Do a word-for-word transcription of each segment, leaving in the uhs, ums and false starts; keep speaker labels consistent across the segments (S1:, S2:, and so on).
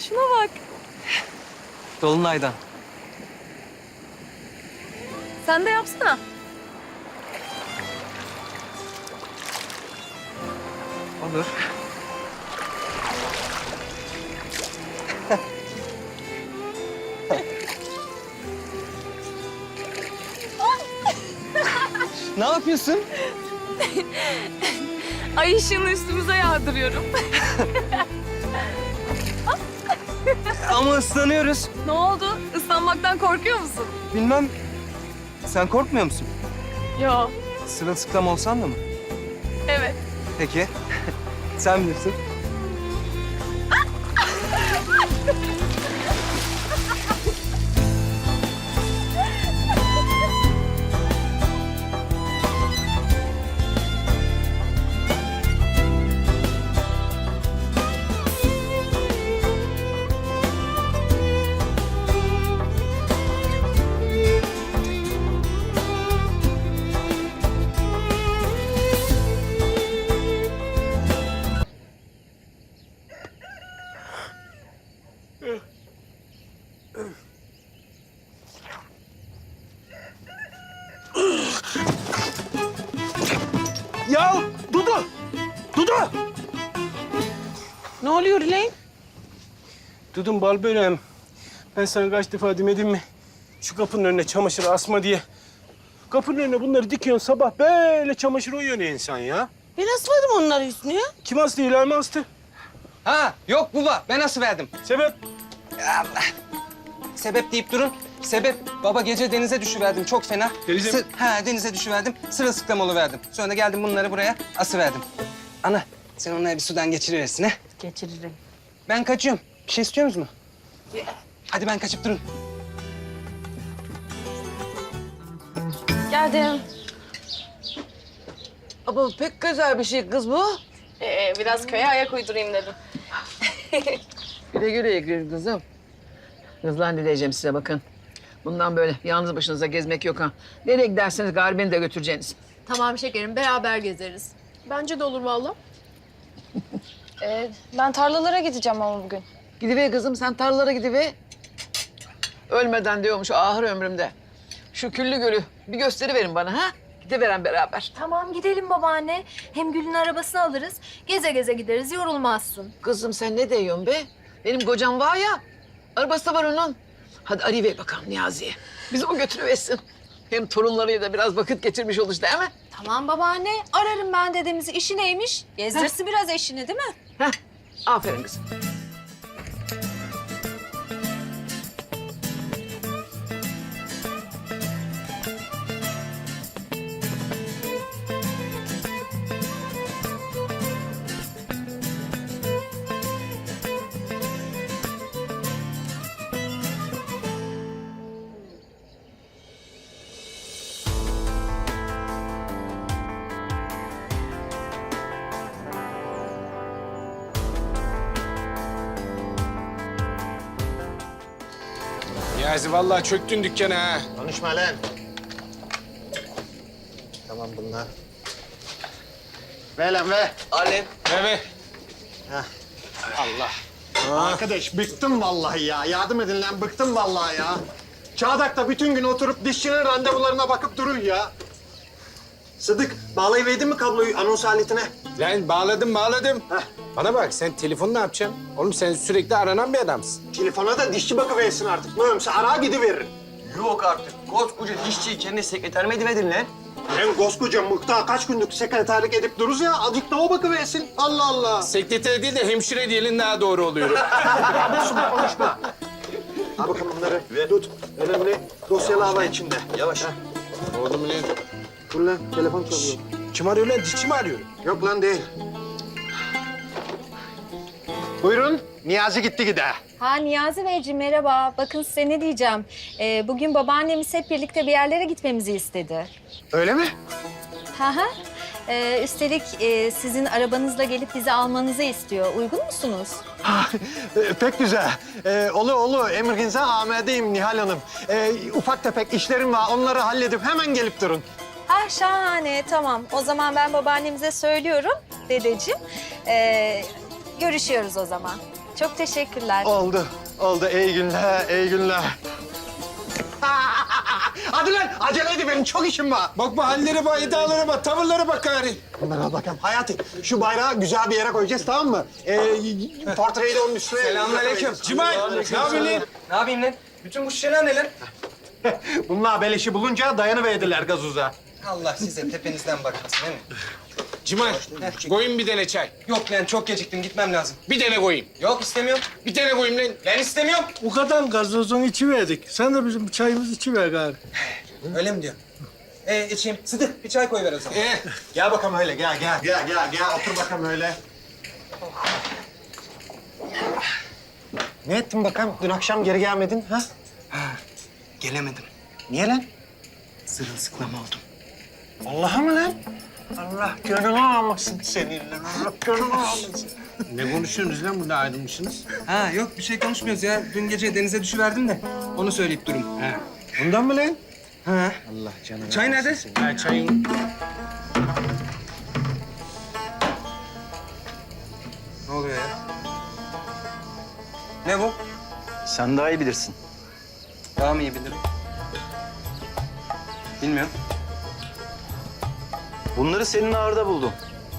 S1: Şuna bak.
S2: Dolunay'dan.
S1: Sen de yapsana.
S2: Olur. Ne yapıyorsun?
S1: Ay ışığını üstümüze yağdırıyorum.
S2: Ama ıslanıyoruz.
S1: Ne oldu? Islanmaktan korkuyor musun?
S2: Bilmem. Sen korkmuyor musun?
S1: Yo.
S2: Sırılsıklam olsan da mı?
S1: Evet.
S2: Peki. Sen bilirsin.
S3: Ya Dudu! Dudu!
S4: Ne oluyor Leyla?
S3: Dudum bal böreğim. Ben sana kaç defa demedim mi? Şu kapının önüne çamaşır asma diye. Kapının önüne bunları dikiyorsun sabah böyle çamaşır uyuyor ne insan ya?
S4: Ben asmadım onları üstüne.
S3: Kim astı, Hilal mi astı?
S2: Ha yok baba ben nasıl verdim?
S3: Sebep?
S2: Allah. Sebep deyip durun. Sebep baba gece denize düşüverdim çok fena.
S3: Denize mi?
S2: Sı- Ha denize düşüverdim. Sırılsıklam oluverdim. Sonra da geldim bunları buraya asıverdim. Ana sen onları bir sudan geçiriversin ha.
S4: Geçiririm.
S2: Ben kaçıyorum. Bir şey istiyor musunuz? Hadi ben kaçıp durun.
S1: Geldim.
S4: Ama pek güzel bir şey kız bu.
S1: Ee, biraz köye ayak uydurayım dedim.
S4: Güle güle gir kızım. Kızlar ne diyeceğim size bakın. Bundan böyle yalnız başınıza gezmek yok ha. Nereye giderseniz gari beni de götüreceksiniz.
S5: Tamam şekerim, beraber gezeriz.
S1: Bence de olur vallahi. Ee, ben tarlalara gideceğim ama bugün.
S4: Gidiver kızım sen tarlalara gidiver. Ölmeden diyormuş ahır ömrümde. Şu Küllü Gölü bir gösteriverin bana ha. Gidiveren beraber.
S5: Tamam gidelim babaanne. Hem Gül'ün arabasını alırız. Geze geze gideriz, yorulmazsın.
S4: Kızım sen ne diyorsun be? Benim kocam var ya. Arabası da var onun. Hadi arayıver bakalım Niyazi'ye. Bizi o götürüversin. Hem torunlarıyla da biraz vakit geçirmiş olur değil mi?
S5: Tamam babaanne, ararım ben dedemizi. İşi neymiş? Gezdirsin biraz eşini değil mi?
S4: Heh, aferin kızım.
S3: Niyazi vallahi çöktün dükkana ha.
S6: Konuşma lan. Tamam bunlar. Ver lan ver.
S2: Alem.
S3: Evet.
S6: Allah. Arkadaş bıktım vallahi ya. Yardım edin lan bıktım vallahi ya. Çağdak'ta bütün gün oturup dişçinin randevularına bakıp durun ya. Sıdık bağlayıverdin mi kabloyu anons aletine?
S3: Lan bağladım bağladım.
S6: Heh.
S3: Bana bak sen telefonu ne yapacaksın? Oğlum sen sürekli aranan bir adamsın.
S6: Telefona da dişçi bakıversin artık. Ne olursa ara gidiveririm.
S7: Yok artık. Koskoca dişçiyi kendi sekreter mi ediverdin lan?
S6: Ben koskoca mıhtar kaç günlük sekreterlik edip dururuz ya. Azıcık da o bakıversin. Allah Allah.
S3: Sekreter değil de hemşire diyelim daha doğru oluyor.
S6: Konuşma konuşma. Al bakalım bunları.
S7: Ver.
S6: Tut. Önemli dosyalı hava içinde.
S7: Yavaş.
S3: Oğlum lan.
S6: Dur lan telefon çalıyor.
S3: Kim arıyor lan? Dişçi mi arıyor?
S6: Yok lan değil. Buyurun. Niyazi gitti gide.
S5: Ha Niyazi Beyciğim merhaba. Bakın size ne diyeceğim. Ee, bugün babaannemiz hep birlikte bir yerlere gitmemizi istedi.
S6: Öyle mi?
S5: Hı hı. Ee, üstelik e, sizin arabanızla gelip bizi almanızı istiyor. Uygun musunuz?
S6: Ee, pek güzel. Ee, olu olu emrinize amedeyim Nihal Hanım. Ee, ufak tefek işlerim var. Onları halledip hemen gelip durun.
S5: Ah şahane tamam. O zaman ben babaannemize söylüyorum dedeciğim. Ee, Görüşüyoruz o zaman. Çok teşekkürler.
S6: Oldu, oldu. İyi günler, iyi günler. Hadi lan, acele edin benim çok işim var.
S3: Bakma hallere bak, iddialara bak, tavırlara bak gari.
S6: Bunlara bakalım. Hayati, şu bayrağı güzel bir yere koyacağız, tamam mı? Ee, portreyi de onun üstüne...
S2: Selamünaleyküm.
S3: Cimay, ne yapıyorsun lan?
S2: Ne yapayım lan? Bütün bu şişeler ne lan?
S6: Bunlar beleşi bulunca dayanıverdiler gazoza.
S2: Allah size tepenizden bakmasın değil mi?
S3: Cimay, koyayım bir tane çay.
S2: Yok lan çok geciktim gitmem lazım.
S3: Bir tane koyayım.
S2: Yok istemiyorum.
S3: Bir tane koyayım lan.
S2: Ben istemiyorum.
S8: O kadar gazozun içi verdik. Sen de bizim çayımızı içi ver gari.
S2: Öyle mi diyor? Ee içeyim. Sıdık bir çay koyuver o zaman.
S3: Ee,
S6: Gel bakalım öyle, gel, gel. Gel, gel, gel. Otur bakalım öyle. Ne ettin bakalım? Dün akşam geri gelmedin, ha?
S2: Gelemedim.
S6: Niye lan?
S2: Sırılsıklam oldum.
S6: Allah'a mı lan? Allah gönlünü almasın seninle. Allah gönlünü almasın.
S3: ne konuşuyorsunuz lan burada ayrılmışsınız?
S2: Ha yok bir şey konuşmuyoruz ya. Dün gece denize düşüverdim de onu söyleyip durum.
S3: Ha.
S6: Bundan mı lan?
S2: Ha.
S3: Allah canına.
S2: Çay nerede?
S3: Ha, çayın.
S2: Ne oluyor ya? Ne bu?
S7: Sen daha iyi bilirsin.
S2: Daha mı iyi bilirim? Bilmiyorum.
S7: Bunları senin ağırda buldum.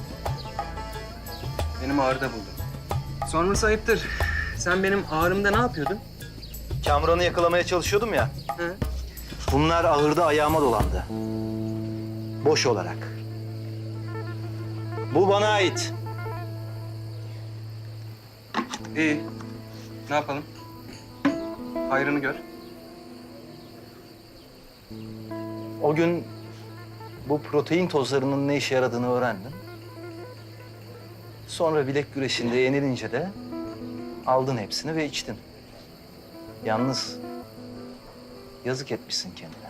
S2: Benim ağrıda buldum. Sonrası ayıptır. Sen benim ağrımda ne yapıyordun?
S7: Kamuran'ı yakalamaya çalışıyordum ya.
S2: Hı.
S7: Bunlar ahırda ayağıma dolandı. Boş olarak. Bu bana ait.
S2: İyi. Ne yapalım? Hayrını gör.
S7: O gün bu protein tozlarının ne işe yaradığını öğrendim. Sonra bilek güreşinde yenilince de aldın hepsini ve içtin. Yalnız yazık etmişsin kendine.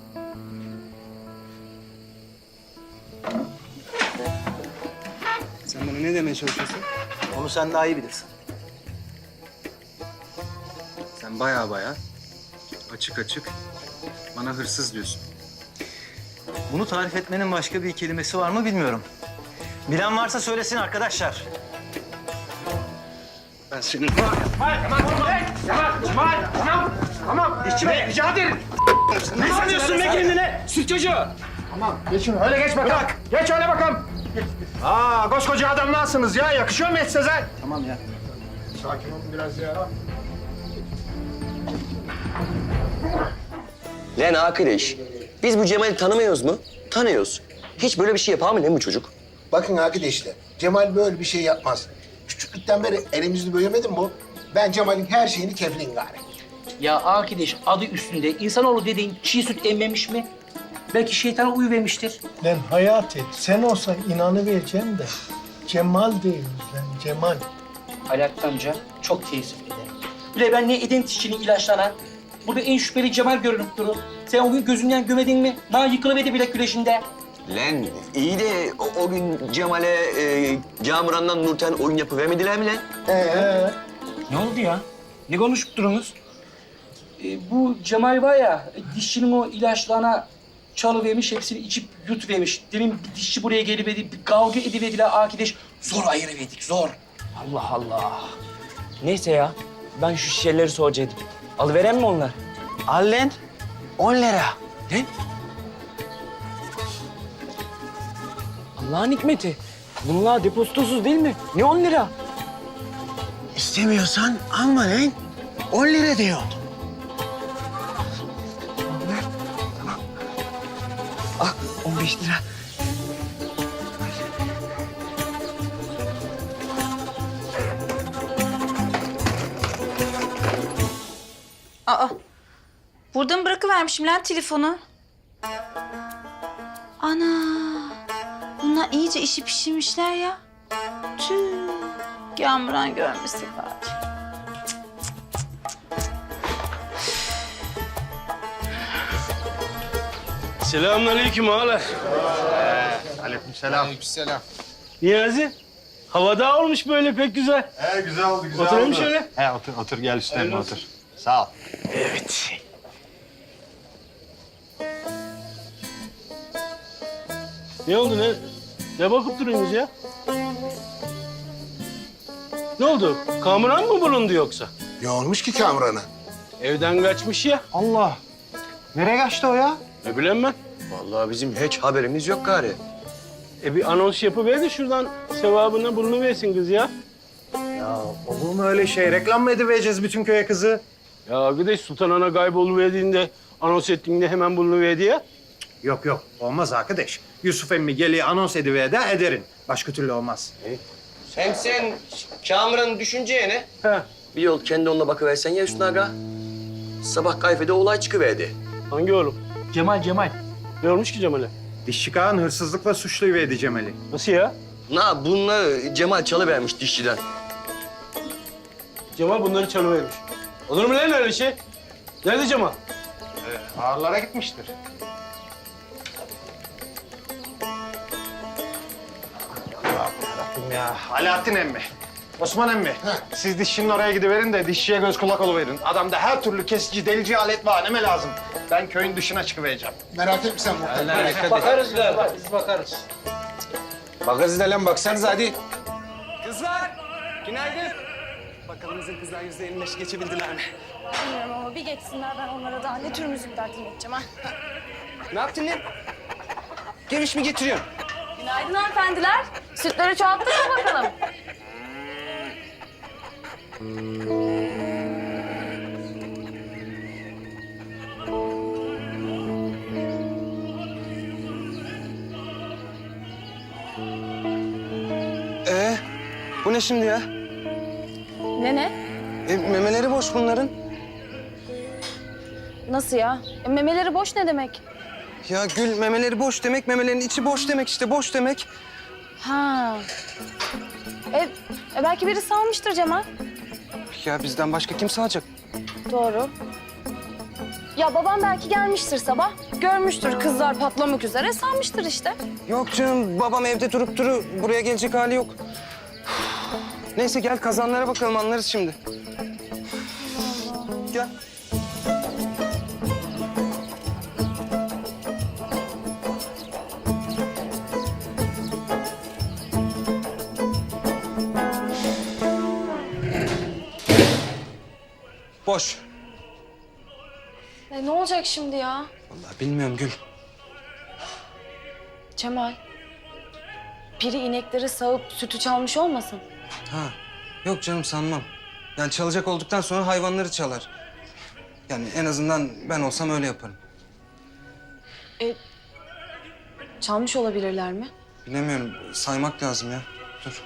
S2: Sen bana ne demeye çalışıyorsun?
S7: Onu sen daha iyi bilirsin.
S2: Sen baya baya açık açık bana hırsız diyorsun.
S7: Bunu tarif etmenin başka bir kelimesi var mı bilmiyorum. Bilen varsa söylesin arkadaşlar.
S3: Ben senin...
S6: Ne sanıyorsun be kendine? Süt çocuğu. Tamam, geçin. Öyle geç bakalım. Bırak. Geç öyle bakalım. Aa, koskoca adamlarsınız ya. Yakışıyor mu et Sezer?
S7: Tamam ya.
S6: Sakin olun biraz ya.
S9: Lan arkadaş, biz bu Cemal'i tanımıyoruz mu? Tanıyoruz. Hiç böyle bir şey yapar mı lan bu çocuk?
S10: Bakın arkadaşlar, Cemal böyle bir şey yapmaz. Küçüklükten beri elimizi büyümedim bu. Ben Cemal'in her şeyini keflin gari.
S11: Ya arkadaş adı üstünde insanoğlu dediğin çiğ süt emmemiş mi? Belki şeytana uyuvermiştir.
S8: Lan Hayati, sen olsan inanıvereceğim de Cemal değil lan, Cemal.
S11: Alaaddin amca çok teessüf ederim. Bile ben ne edin dişçinin ilaçlanan. Burada en şüpheli Cemal görünüp durur. Sen o gün gözünden gömedin mi? Na yıkılıverdi bilek güreşinde.
S9: Lan iyi de o, o gün Cemal'e e, Camuran'dan Nurten oyun yapıvermediler mi lan?
S8: Ee,
S11: Ne oldu ya? Ne konuşup durunuz? Ee, bu Cemal var ya, dişçinin o ilaçlarına çalıvermiş, hepsini içip yutuvermiş. Demin bir dişçi buraya geliverdi, bir kavga ediverdiler arkadaş. Zor ayırıverdik, zor. Allah Allah. Neyse ya, ben şu şişeleri soracaktım. Alıveren mi onlar?
S7: Al lan. On lira.
S11: Ne? Allah'ın hikmeti. Bunlar depozitosuz değil mi? Ne on lira?
S10: İstemiyorsan alma lan. On lira diyor.
S2: Ah on beş lira.
S5: Aa, burada mı bırakıvermişim lan telefonu? Ana, bunlar iyice işi pişirmişler ya. Tüh, Kamuran görmesin bari.
S3: Selamünaleyküm ağalar.
S6: Aleykümselam.
S3: Niyazi, havada olmuş böyle pek güzel.
S6: He, güzel oldu, güzel
S3: Oturayım
S6: oldu.
S3: şöyle.
S6: He, otur, otur. Gel üstüne
S3: Hayırlı
S6: otur. Sağ ol.
S3: Evet. Ne oldu ne? Ne bakıp duruyorsunuz ya? Ne oldu? Kamuran mı bulundu yoksa?
S10: Ne olmuş ki Kamuran'a?
S3: Evden kaçmış ya.
S6: Allah. Nereye kaçtı o ya?
S3: Ne bileyim ben.
S9: Vallahi bizim hiç haberimiz yok gari.
S3: E bir anons yapıver de şuradan sevabına bulunuversin kız ya.
S6: Ya olur mu öyle şey? Reklam mı edivereceğiz bütün köye kızı?
S3: Ya arkadaş Sultan Ana kayboluverdiğinde, anons ettiğinde hemen bulunuverdi ya.
S6: Yok yok olmaz arkadaş. Yusuf emmi geliyor anons ediver de ederin. Başka türlü olmaz.
S9: Hem sen Kamuran'ın düşüneceğine
S3: He.
S9: bir yol kendi onunla bakıversen ya Hüsnü Aga. Sabah kayfede olay çıkıverdi.
S3: Hangi oğlum?
S11: Cemal, Cemal.
S3: Ne olmuş ki Cemal'e?
S6: Dişçi Kağan hırsızlıkla suçluyverdi Cemal'i.
S3: Nasıl ya?
S9: Na bunları Cemal çalıvermiş dişçiden.
S3: Cemal bunları çalıvermiş. Olur mu lan öyle şey? Nerede Cemal?
S6: Ağırlara gitmiştir. Allah'ım ya. Alaaddin emmi. Osman emmi. Siz dişçinin oraya gidiverin de dişçiye göz kulak oluverin. Adamda her türlü kesici, delici alet var. Neme lazım? Ben köyün dışına çıkıvereceğim.
S10: Merak etme sen muhtar.
S3: Bakarız galiba, biz bakarız.
S2: Bakarız da lan baksanız hadi. Kızlar, günaydın. Bakalım bizim kızlar yüzde yirmi beş geçebildiler mi?
S1: Bilmiyorum ama bir geçsinler ben onlara daha ne tür müzik takdim edeceğim ha.
S2: Ne yaptın lan? Geviş mi getiriyorsun?
S1: Günaydın hanımefendiler. Sütleri çoğalttık mı bakalım?
S2: Ee, bu ne şimdi ya?
S1: Ne ne?
S2: E, memeleri boş bunların.
S1: Nasıl ya? E, memeleri boş ne demek?
S2: Ya Gül, memeleri boş demek, memelerin içi boş demek işte, boş demek.
S1: Ha. E, e belki birisi almıştır Cemal.
S2: Ya bizden başka kim sağacak?
S1: Doğru. Ya babam belki gelmiştir sabah. Görmüştür kızlar patlamak üzere salmıştır işte.
S2: Yok canım, babam evde durup duru, buraya gelecek hali yok. Neyse gel kazanlara bakalım, anlarız şimdi. Gel. Boş.
S1: E, ne olacak şimdi ya?
S2: Vallahi bilmiyorum Gül.
S1: Cemal. Biri inekleri sağıp sütü çalmış olmasın?
S2: Ha, yok canım sanmam. Yani çalacak olduktan sonra hayvanları çalar. Yani en azından ben olsam öyle yaparım.
S1: E, çalmış olabilirler mi?
S2: Bilemiyorum, saymak lazım ya. Dur.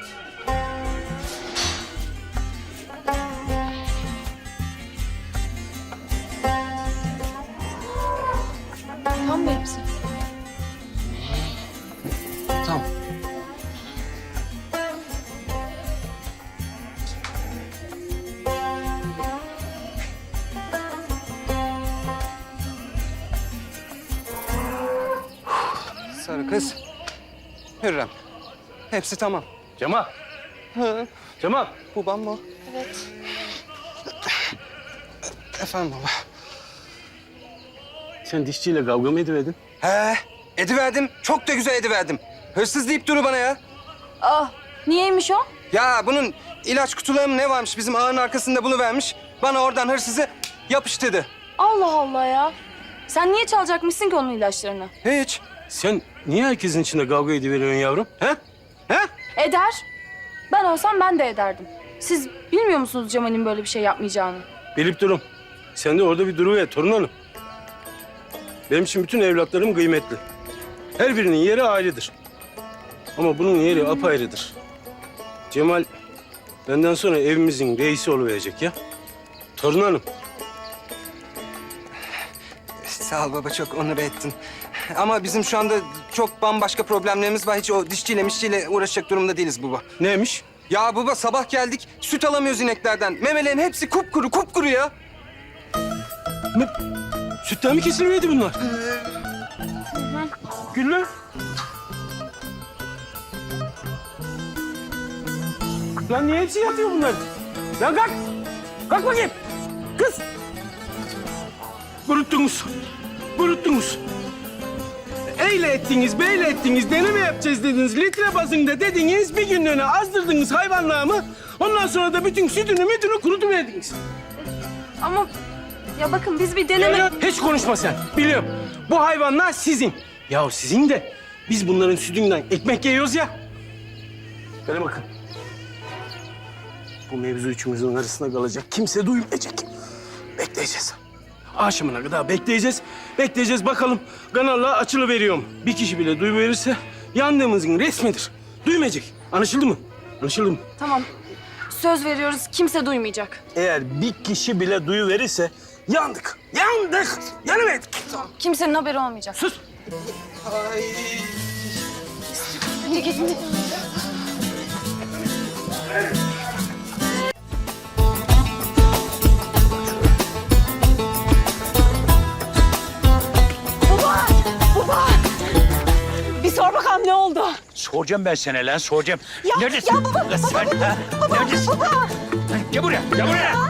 S1: Tam mı hepsi?
S2: Tamam. Sarı kız. Hürrem. Hepsi tamam.
S3: Cemal.
S2: Hı.
S3: Cemal.
S2: Babam mı?
S1: Evet.
S2: Efendim baba.
S3: Sen dişçiyle kavga mı ediverdin?
S2: He, ediverdim. Çok da güzel ediverdim. Hırsız deyip duru bana ya.
S1: Ah, niyeymiş o?
S2: Ya bunun ilaç kutuları mı ne varmış bizim ağın arkasında buluvermiş. Bana oradan hırsızı yapıştırdı.
S1: Allah Allah ya. Sen niye çalacakmışsın ki onun ilaçlarını?
S2: Hiç.
S3: Sen niye herkesin içinde kavga ediveriyorsun yavrum? He? He?
S1: Eder. Ben olsam ben de ederdim. Siz bilmiyor musunuz Cemal'in böyle bir şey yapmayacağını?
S3: Bilip durum. Sen de orada bir duruver torun hanım. Benim için bütün evlatlarım kıymetli. Her birinin yeri ayrıdır. Ama bunun yeri apayrıdır. Cemal benden sonra evimizin reisi oluverecek ya. Torun hanım.
S2: Sağ ol baba, çok onur ettin. Ama bizim şu anda çok bambaşka problemlerimiz var. Hiç o dişçiyle mişçiyle uğraşacak durumda değiliz baba.
S3: Neymiş?
S2: Ya baba sabah geldik, süt alamıyoruz ineklerden. Memelerin hepsi kupkuru, kupkuru ya.
S3: Ne? Sütten mi kesiliverdi bunlar? Güllü. Lan niye hepsi yatıyor bunlar? Lan kalk. Kalk bakayım. Kız. Kuruttunuz. Kuruttunuz. eyle ettiniz, beyle ettiniz, deneme yapacağız dediniz. Litre bazında dediniz, bir günlüğüne azdırdınız hayvanlığımı. Ondan sonra da bütün sütünü mütünü kurutuverdiniz.
S1: Ama ya bakın biz bir deneme...
S3: Ya, hiç konuşma sen. Biliyorum. Bu hayvanlar sizin. Ya sizin de biz bunların sütünden ekmek yiyoruz ya. Böyle bakın. Bu mevzu üçümüzün arasında kalacak. Kimse duymayacak. Bekleyeceğiz. Akşamına kadar bekleyeceğiz. Bekleyeceğiz bakalım kanallar açılıveriyor mu? Bir kişi bile duyuverirse yandığımızın resmidir. Duymayacak. Anlaşıldı mı? Anlaşıldı mı?
S1: Tamam. Söz veriyoruz kimse duymayacak.
S3: Eğer bir kişi bile duyuverirse yandık. Yandık. Yanıverdik.
S1: Kimsenin haberi olmayacak.
S3: Sus.
S1: Hadi gidin.
S12: Bir sor bakalım ne oldu?
S11: Soracağım ben sana lan, soracağım.
S12: Ya,
S11: Neredesin?
S12: ya baba,
S11: Lan
S12: baba,
S11: sen,
S12: baba,
S11: ha?
S12: baba,
S11: Neredesin?
S12: baba.
S11: Gel buraya, gel buraya.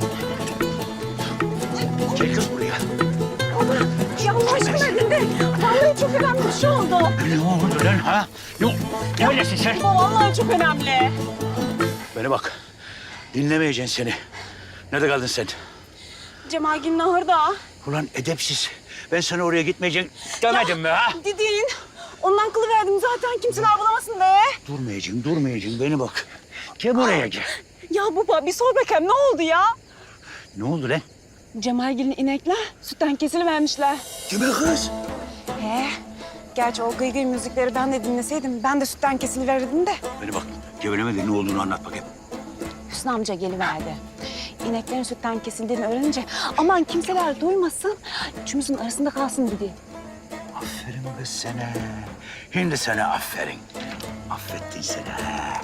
S11: Gel kız buraya.
S12: Ya Allah aşkına dinle. Vallahi çok önemli bir şey oldu.
S11: Ne oldu lan ha? Yok, neredesin sen?
S12: Baba vallahi çok önemli.
S11: Bana bak, dinlemeyeceksin seni. Nerede kaldın sen?
S12: Cemal Gül Nahır'da.
S11: Ulan edepsiz. Ben sana oraya gitmeyeceksin demedim mi ha?
S12: Didin. Ondan kılıverdim zaten kimseler bulamasın be.
S11: Durmayacaksın, durmayacaksın. Beni bak. Gel buraya gel.
S12: Ya baba bir sor bakayım ne oldu ya?
S11: Ne oldu lan?
S12: Cemal Gül'ün inekler sütten kesilivermişler.
S11: Kime kız?
S12: He. Gerçi o gıy gıy müzikleri ben de dinleseydim ben de sütten kesiliverirdim de.
S11: Beni bak, gevelemedin ne olduğunu anlat bakayım.
S12: Hüsnü amca geliverdi. İneklerin sütten kesildiğini öğrenince aman kimseler duymasın, üçümüzün arasında kalsın dedi.
S11: Aferin kız sana. Şimdi sana aferin. Affettin seni ha.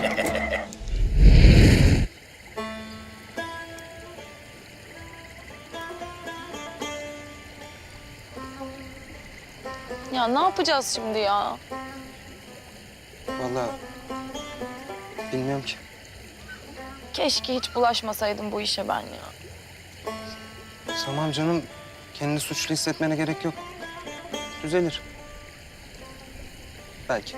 S1: Ya ne yapacağız şimdi ya?
S2: Vallahi bilmiyorum ki.
S1: Keşke hiç bulaşmasaydım bu işe ben ya.
S2: Tamam canım. Kendini suçlu hissetmene gerek yok. Düzelir. Belki.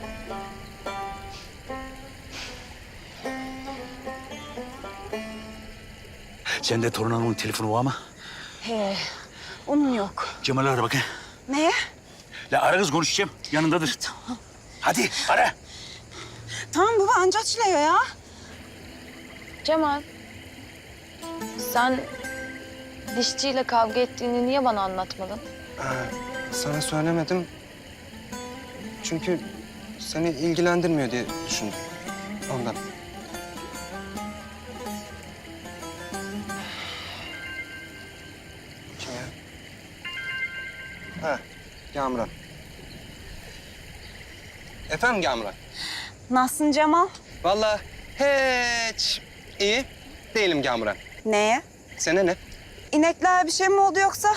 S11: Sende torun hanımın telefonu var mı?
S12: He, onun yok.
S11: Cemal'i ara bakayım.
S12: Neye?
S11: La ara kız konuşacağım. Yanındadır. Tamam. Hadi ara.
S12: Tamam baba anca açılıyor ya.
S1: Cemal, sen dişçiyle kavga ettiğini niye bana anlatmadın?
S2: Ee, sana söylemedim. Çünkü seni ilgilendirmiyor diye düşündüm. Ondan. Kim ya? Ha, Gamran. Efendim Gamran?
S12: Nasılsın Cemal?
S2: Vallahi hiç iyi değilim Gamran.
S12: Neye?
S2: Sana ne?
S12: İnekler bir şey mi oldu yoksa?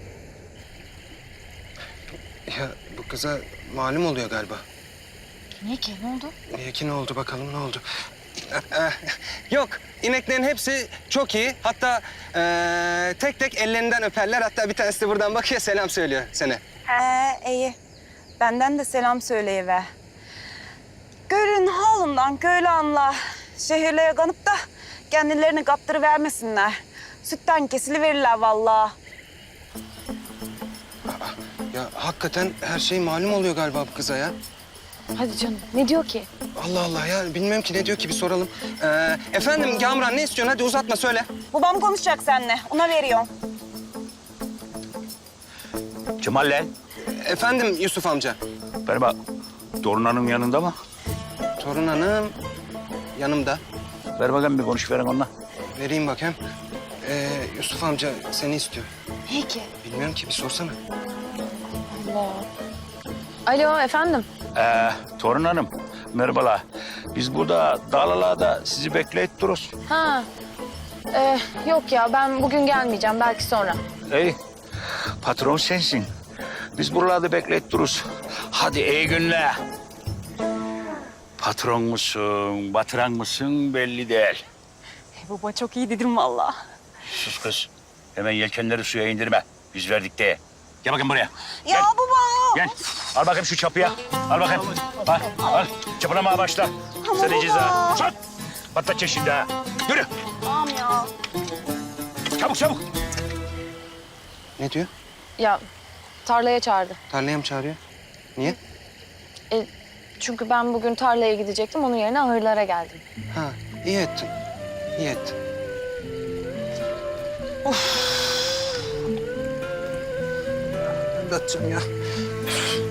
S2: Ya bu kıza malum oluyor galiba.
S1: Niye ki? Ne oldu?
S2: Niye ki ne oldu bakalım ne oldu? Yok, ineklerin hepsi çok iyi. Hatta eee, tek tek ellerinden öperler. Hatta bir tanesi de buradan bakıyor, selam söylüyor sana.
S12: He iyi. Benden de selam söyleyiver. Gölün halından köylü anla. Şehirlere kanıp da kendilerini kaptırıvermesinler. Sütten kesiliverirler vallahi.
S2: Ya hakikaten her şey malum oluyor galiba bu kıza ya.
S1: Hadi canım, ne diyor ki?
S2: Allah Allah ya, bilmiyorum ki ne diyor ki, bir soralım. Ee, efendim Gamran, ne istiyorsun? Hadi uzatma, söyle.
S12: Babam konuşacak seninle. Ona veriyorum.
S11: Cemal lan.
S2: Efendim Yusuf amca.
S11: Bana bak. Torun hanım yanında mı?
S2: Torun hanım yanımda.
S11: Ver bakayım bir konuş verin onunla.
S2: Vereyim bakayım. Ee, Yusuf amca seni istiyor.
S1: Peki.
S2: Bilmiyorum ki, bir sorsana.
S1: Allah. Alo, efendim.
S11: Ee, torun hanım, merhabalar. Biz burada dağlalarda sizi bekleyip dururuz.
S1: Ha. Ee, yok ya, ben bugün gelmeyeceğim. Belki sonra.
S11: İyi. Patron sensin. Biz buralarda bekleyip dururuz. Hadi iyi günler. Patron musun, batıran mısın belli değil.
S12: E, baba çok iyi dedim vallahi.
S11: Sus kız. Hemen yelkenleri suya indirme. Biz verdik de.
S13: Gel bakayım buraya.
S12: Ya baba.
S13: Gel. Al bakayım şu çapıya. Al bakayım. Al, al. Çapılamaya başla. Sana
S12: baba.
S13: ceza. Çat. Patlatacak şimdi ha. Yürü.
S12: Tamam ya.
S13: Çabuk çabuk.
S2: Ne diyor?
S1: Ya tarlaya çağırdı.
S2: Tarlaya mı çağırıyor? Niye?
S1: E, çünkü ben bugün tarlaya gidecektim. Onun yerine ahırlara geldim.
S2: Ha, iyi ettin. İyi ettin. Of. Ben de atacağım ya.